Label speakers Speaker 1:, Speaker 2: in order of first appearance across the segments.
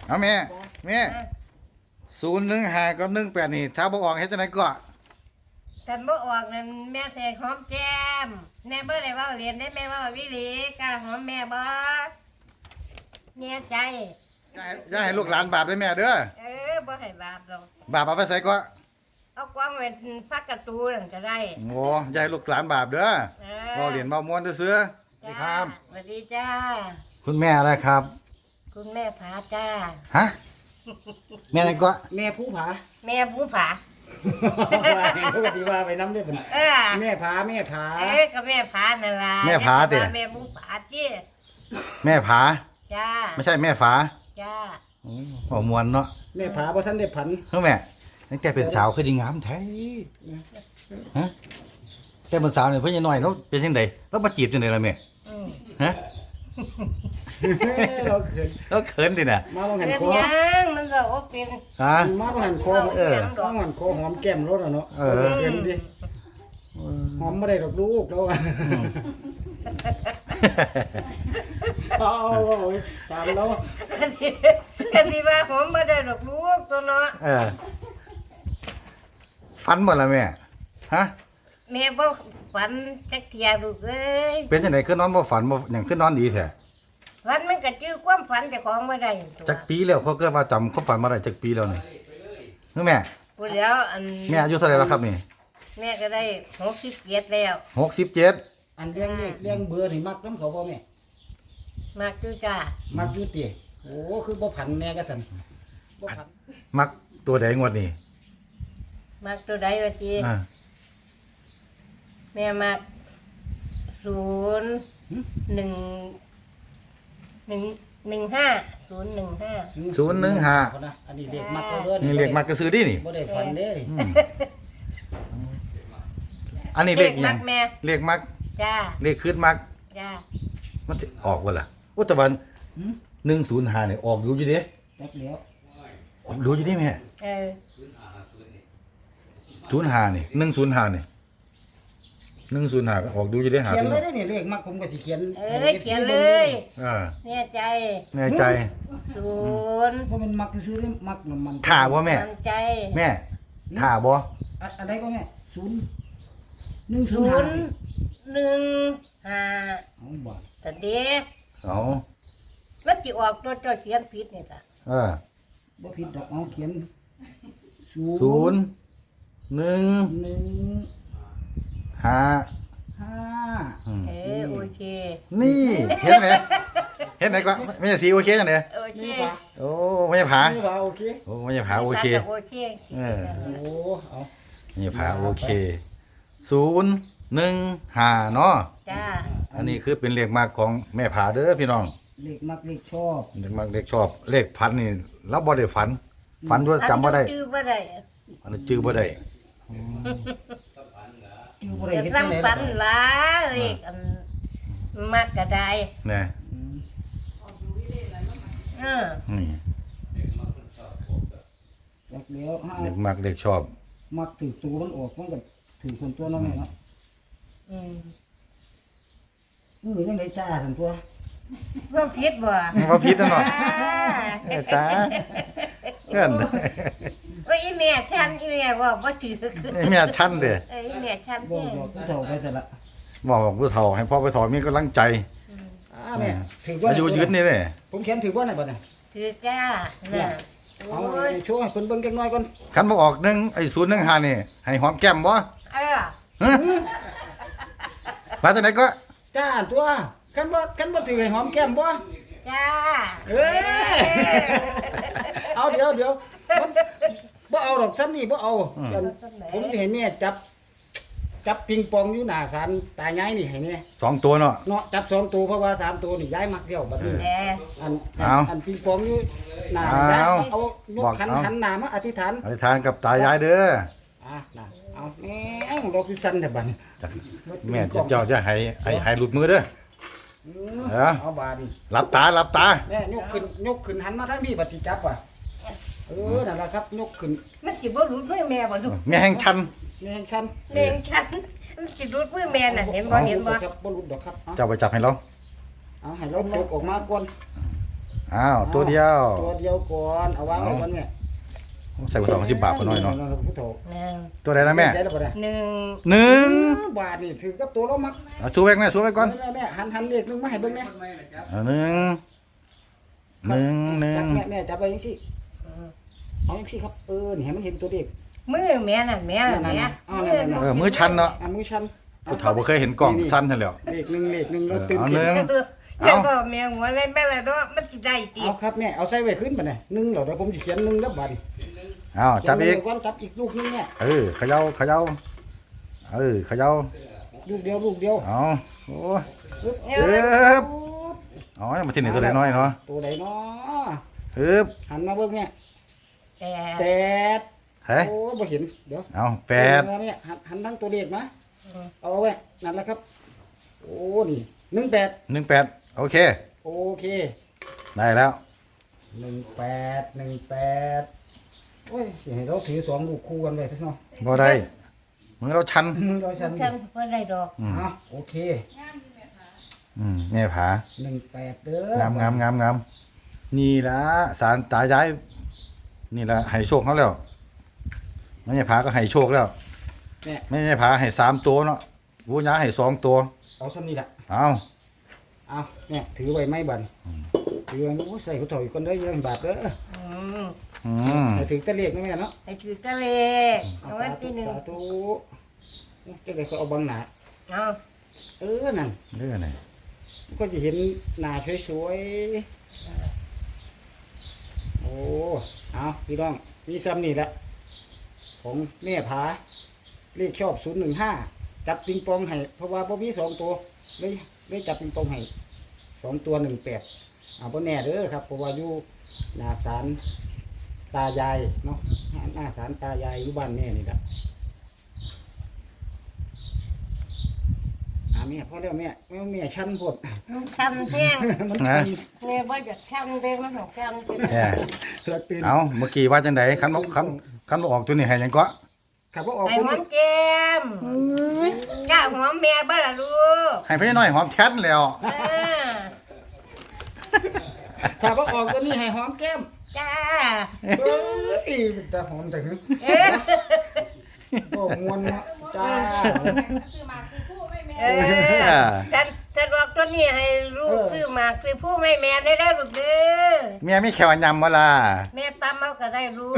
Speaker 1: เอาแม่015กับ18นี่ถ้าบ่ออกเฮ็ดจังไดก็
Speaker 2: แต่บ่ออกนั่นแม่ใส่หอมแก้มแม่บ่ได้เว้าเรียนได้แม่เว้าวิลีกล้าหอมแม่บ่เนี่ยใจ
Speaker 1: อย่าให้ลูกหลานบาปเด้อแม่เด้อ
Speaker 2: บ่ให้บาปหรอก
Speaker 1: บาปเอาไปใส่ก็
Speaker 2: เอากวางไว้ฟักการ์ตูนก็ได้
Speaker 1: โอ้อย่าให้ลูกหลานบาปเด้อเว้าเรียนเว้าม่วนซื่อๆสวัสดีครับ
Speaker 2: สวัสดีจ้า
Speaker 1: คุณแม่อะไรครับ
Speaker 2: คุณแม่ผาจ้า
Speaker 1: ฮะแม่อะไรก็
Speaker 3: แม่ผู้ผา
Speaker 2: แม่ผู้ผา
Speaker 3: ปกติว่าไปน้ำด้วยผมแม่ผา
Speaker 2: ก็แม่ผานั่นล่ะ
Speaker 1: แม่ผาเด้
Speaker 2: แม่ผู้ผาจี้
Speaker 1: แม่ผา
Speaker 2: จ้า
Speaker 1: ไม่ใช่แม่ฝา
Speaker 2: จ้า
Speaker 1: บ่ม่วนเนาะ
Speaker 3: แม่ผาบ่ทันได้ผัน
Speaker 1: เฮ้ยแม่ตั้งแต่เป็นสาวคือดีงามแท้ฮะแต่เป็นสาวนี่เพิ่นยังน้อยแล้วเป็นจังได๋แล้วมาจีบจังได๋ล่ะแม่ฮะเราเขินดิน่ะ
Speaker 3: มาบ่หันคอ
Speaker 2: มันก็โอเป็น
Speaker 1: ฮะ
Speaker 3: มาบ่หันคอต้องหันคอหอมแก้มรถอ่ะเนาะเขินดิหอมบ่ได้ดอกลูกแล้วอ่ะเอาตามแล้ว
Speaker 2: กันที่ว่าหอมบ่ได้ดอกลูกตัวเนาะ
Speaker 1: ฝันบ่ล่ะแม่ฮะ
Speaker 2: แม่บ่ฝันจักเที่ยลูกเอ้ย
Speaker 1: เป็นจังได๋คือนอนบ่ฝันบ่หยังคือนอนดีแท้
Speaker 2: ฝันมันก็จื้อความฝันเจ้าของบ่ได้
Speaker 1: จักปีแล้วเขาเกิดว่าจำความฝันบ่ได้จักปีแล้วนี่คือแม่
Speaker 2: พูดแล้ว
Speaker 1: แม่อายุเท่าไหร่แล้วครับนี่
Speaker 2: แม่ก็ได้67แล้ว
Speaker 1: 67
Speaker 3: อันเลี้ยงเบอร์นี่มักนำเขาบ่แม่
Speaker 2: มักอยู่จ้า
Speaker 3: มักอยู่ติโอ้คือบ่ผันแน่ก็ซั่นบ่ผัน
Speaker 1: มักตัวใดงวดนี้
Speaker 2: มักตัวใดว่าติแม่มัก
Speaker 1: 015
Speaker 3: อันนี้เลขมักเด้อ
Speaker 1: นี่เลขมักก็ซื้อดินี่
Speaker 3: บ่ได้ฝันเด้
Speaker 1: อันนี้เลขหยังเลขมัก
Speaker 2: จ้า
Speaker 1: เลขคืนมัก
Speaker 2: จ้า
Speaker 1: มันสิออกบ่ล่ะอุตะวัน105นี่ออกอยู่อยู่เด้
Speaker 3: จักแล้ว
Speaker 1: ออกดูอยู่เด้แม่05นี่105นี่105ก็ออกดูอยู่เด้หา
Speaker 3: เขียนเลยได้นี่เลขมักผมก็สิเขียน
Speaker 2: เขียนเลยแน่ใจ
Speaker 3: เพราะมันมักซื้อได้มักน้ำมัน
Speaker 1: ถ่าบ่แม่แม่ถ่าบ่
Speaker 3: อะไรก็แม่
Speaker 2: 105
Speaker 3: เอาบ่
Speaker 2: แต่เด็ก
Speaker 1: เอา
Speaker 2: มันสิออกตัวเขียนผิดนี่ล่ะ
Speaker 3: บ่ผิดดอกเอาเขียน
Speaker 2: โอเค
Speaker 1: นี่เห็นไหนก็ไม่ใช่สีโอเคจังได๋
Speaker 2: โอเค
Speaker 1: โอ้ไม่ใช่ผา
Speaker 3: โอเค
Speaker 1: โอ้ไม่ใช่ผาโอเค
Speaker 2: โอเค
Speaker 3: โอ้เอา
Speaker 1: ไม่ใช่ผาโอเค015เนาะ
Speaker 2: จ้า
Speaker 1: อันนี้คือเป็นเลขมากของแม่ผาเด้อพี่น้อง
Speaker 3: เลขมักเลขชอบ
Speaker 1: เลขมักเลขชอบเลขพันนี่เราบ่ได้ฝันด้วยจำบ่ได้
Speaker 2: จื้อบ่ได้
Speaker 1: อันนี้จื้อบ่ได้
Speaker 3: จื้อบ่ได้เฮ็ดจังได๋
Speaker 2: ฝันหลายเลขมักก็ได้
Speaker 1: แน่นี่
Speaker 3: จักแล้ว
Speaker 1: เลขมักเลขชอบ
Speaker 3: มักถือตัวมันออกมันก็ถือคนตัวเนาะแม่เนาะยังได้จ้าซั่นตัว
Speaker 2: ว่าผิดบ่
Speaker 1: ว่าผิดนั่นเนาะจ้าเกิน
Speaker 2: ว่าอีแม่ฉันอีแม่บอกบ่ถือ
Speaker 1: แม่ชั้นเด้
Speaker 2: อีแม่ฉัน
Speaker 3: บอกผู้เฒ่าไปแต่ละ
Speaker 1: บอกผู้เฒ่าให้พ่อไปถอมีกำลังใจ
Speaker 3: แม่ถือว่า
Speaker 1: อายุยืนนี่แหละ
Speaker 3: ผมเขียนถือว่าไหนบ่เนี่ย
Speaker 2: ถือจ้าน่ะ
Speaker 3: เอาโชว์ให้เพิ่นเบิ่งจักหน่อยก่อน
Speaker 1: คันบ่ออกไอ้015นี่ให้หอมแก้มบ่มาจากไหนก็
Speaker 3: จ้าตัวกันบ่ถือให้หอมแก้มบ่
Speaker 2: จ้า
Speaker 3: เอาเดี๋ยวบ่เอาดอกซ้ำนี่บ่เอาผมสิให้แม่จับปิงปองอยู่หน้าศาลตายายนี่ให้แน่
Speaker 1: 2ตัวเนาะ
Speaker 3: จับ2ตัวเพราะว่า3ตัวนี่ยายมักเดียวบัดนี้อันปิงปองอยู่หน้าเอายกขันหน้ามาอธิษฐ
Speaker 1: านกับตายายเด้อ
Speaker 3: น่ะเอาแม่ดอกพิสันแต่บัดนี้
Speaker 1: แม่เจ้าจะให้หลุดมือเด้อ
Speaker 3: เอาบาด
Speaker 1: หลับตา
Speaker 3: แม่ยกขึ้นหันมาทางนี้บัดสิจับว่ะนั่นล่ะครับยกขึ้น
Speaker 2: มันสิบ่หลุดมือแม่บ่ลูก
Speaker 1: แม่แห่งชัน
Speaker 2: มันสิหลุดมือแม่น่ะเห็นบ่
Speaker 3: ครับบ่หลุดดอกครับ
Speaker 1: เจ้าไปจับให้เรา
Speaker 3: เอาให้เรายกออกมาก่อน
Speaker 1: อ้าวตัวเดียว
Speaker 3: ตัวเดียวก่อนเอาวางไว้ก่อนแม่
Speaker 1: ใส่กระสอบ10 บาทก็น้อยเนาะ
Speaker 3: ผู้เฒ่า
Speaker 2: หนึ่ง
Speaker 1: ตัวใดนะแม่
Speaker 3: ได้แล้วบ่ได้
Speaker 2: หนึ่ง
Speaker 1: 1
Speaker 3: บาทนี่ถือกับตัวเรามัก
Speaker 1: เอาชูแบกแม่ชูแบกก่อน
Speaker 3: แม่หันเลขนึงมาให้เบิ่งแม่
Speaker 1: เอาหนึ่ง
Speaker 3: จับแม่จับไปจังซี่เอาจังซี่ครับนี่ให้มันเห็นตัวเลข
Speaker 2: มือแม่น่ะแม่น่ะแม่
Speaker 1: มือชันเนาะ
Speaker 3: มือชัน
Speaker 1: ผู้เฒ่าบ่เคยเห็นกล้องสั้นนั่นแหล้ว
Speaker 3: เลขหนึ่งแล้วตื่น
Speaker 1: เอาหนึ่ง
Speaker 2: แม่บอกแม่หัวเล่นแม่ละเนาะมันสิได้ติ
Speaker 3: เอาครับแม่เอาใส่ไว้ขึ้นบัดนี้1แล้วเดี๋ยวผมสิเขียน1แล้วบัดนี้
Speaker 1: อ้าวจับอีก
Speaker 3: ก่อนจับอีกลูกนึงแม่
Speaker 1: เขย่าเขย่าเขย่า
Speaker 3: ลูกเดียว
Speaker 1: เอาโอ้ย
Speaker 3: ปึ๊บ
Speaker 1: อ๋อมาที่ไหนตัวน้อยเนาะ
Speaker 3: ตัวใดเนาะ
Speaker 1: ฮึบ
Speaker 3: หันมาเบิ่งแม่
Speaker 2: แต่
Speaker 3: 8
Speaker 1: เฮ้ย
Speaker 3: โอ้บ่เห็นเดี๋ยว
Speaker 1: เอา8
Speaker 3: แม่หันทั้งตัวเลขมาเอาไว้นั่นแหละครับโอ้นี่18
Speaker 1: 18โอเค
Speaker 3: โอเค
Speaker 1: ได้แล้ว
Speaker 3: 18โอ้ยสิให้เราถือ2ลูกคู่กันไว้ซะเนาะ
Speaker 1: บ่ได้มือเราชัน
Speaker 3: เราฉัน
Speaker 2: ฉันบ่ได้ดอก
Speaker 3: โอเค
Speaker 1: แม่ผา
Speaker 3: 18เด้อง
Speaker 1: ามนี่ละสารตายายนี่ละให้โชคเขาแล้วแม่ผาก็ให้โชคแล้ว
Speaker 3: เนี่ย
Speaker 1: แม่ผาให้3ตัวเนาะวูญาให้2ตัว
Speaker 3: เอาซ้ำนี่ล่ะ
Speaker 1: เอา
Speaker 3: เอาเนี่ยถือไว้ไหมบัดถือไว้โอ้ใส่ผู้ถอยคนเด้อ20 บาทเด้อ
Speaker 2: อืม
Speaker 3: ให้ถือตะเลขนะแม่เนาะ
Speaker 2: ไอ้ถือทะเลเอาไว้ที่หนึ่ง
Speaker 3: สาธุจะได้ก็เอาบังหน้า
Speaker 2: เอา
Speaker 3: นั่น
Speaker 1: เด้อนี่
Speaker 3: ก็จะเห็นหน้าสวยๆโอ้เอาพี่น้องมีซ้ำนี่แหละของแม่ผาเลขชอบ015จับปิงปองให้เพราะว่าบ่มี2ตัวเลยจับปิงปองให้2ตัว18บ่แน่เด้อครับเพราะว่าอยู่หน้าศาลตายายเนาะหน้าศาลตายายอยู่บ้านแม่นี่แหละแม่พอแล้วแม่ชันพด
Speaker 2: มันช้ำแท้ง
Speaker 3: มัน
Speaker 1: นะ
Speaker 2: แม่บ่อยากช้ำเด้มันของช้ำ
Speaker 1: แหม
Speaker 3: เกิดตื่น
Speaker 1: เอาเมื่อกี้ว่าจังไดคันบ่ออกตัวนี้ให้หยังก็
Speaker 3: ขับว่าออก
Speaker 2: ไอ้
Speaker 3: คน
Speaker 2: หอ
Speaker 3: นี้
Speaker 2: มแก้มกล้าหอมแม่บ่ล่ะลูก
Speaker 1: ให้พี่น้อยหอมแท้นแล้ว
Speaker 2: อ่า
Speaker 3: ขับว่าออกตัวนี้ให้หอมแก้ม
Speaker 2: จ้า
Speaker 3: เอ้ยแต่หอมแต่หึ
Speaker 2: เอ๊ะ
Speaker 3: โอ้มวนเนาะจ้า
Speaker 2: เออฉันบอกตัวนี้ให้ลูกซื้อหมากซื้อผู้ไม่แม่ได้ได้ลูกเด้อ
Speaker 1: เมียมีแขวยำบ่ล่ะ
Speaker 2: แม่ตำเอาก็ได้ลูก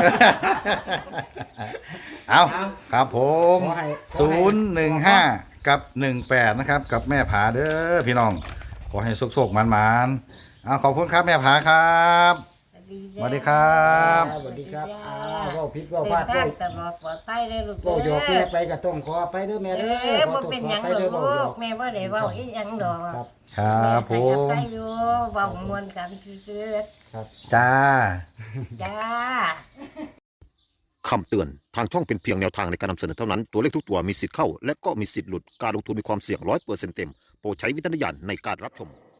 Speaker 1: เอาครับผม
Speaker 3: ขอให้
Speaker 1: 015 กับ 18 นะครับ กับแม่ผาเด้อพี่น้อง ขอให้สุกๆมันๆเอาขอบคุณครับแม่ผาครับ สวัสดีครับ
Speaker 3: สวัสดีครับเว้าผิดเว้า
Speaker 2: เดิ
Speaker 3: พลาน ด
Speaker 2: ทา
Speaker 3: เว้าง
Speaker 2: ตลอดปลอดภัยเลยลูก
Speaker 3: เว้าหยอกแม่ไปก็ต้องขอไปเด้อแม่
Speaker 2: เอ
Speaker 3: เด้อ
Speaker 2: อ
Speaker 3: ขอ
Speaker 2: บ่
Speaker 3: โทษ
Speaker 2: เป็น
Speaker 3: ข
Speaker 2: ห
Speaker 3: อ
Speaker 2: ยัง
Speaker 3: ไป
Speaker 2: หร
Speaker 3: เด้อ
Speaker 2: อก
Speaker 3: เว้าหย
Speaker 2: ลู
Speaker 3: อก
Speaker 2: กแม่บ่ได้เว้าอีหยังดอก
Speaker 3: ครับ
Speaker 1: ครับผ
Speaker 2: แม่
Speaker 1: ม
Speaker 2: ไปอยู่เว้ามวนกันซื่อ
Speaker 3: ครับ
Speaker 1: จ้า
Speaker 2: ๆจ้า
Speaker 4: คำเตือน ทางช่องเป็นเพียงแนวทางในการนำเสนอเท่านั้น ตัวเลขทุกตัวมีสิทธิ์เข้า และก็มีสิทธิ์หลุด การลงทุนมีความเสี่ยง100%เต็ม โปรดใช้วิจารณญาณในการรับชม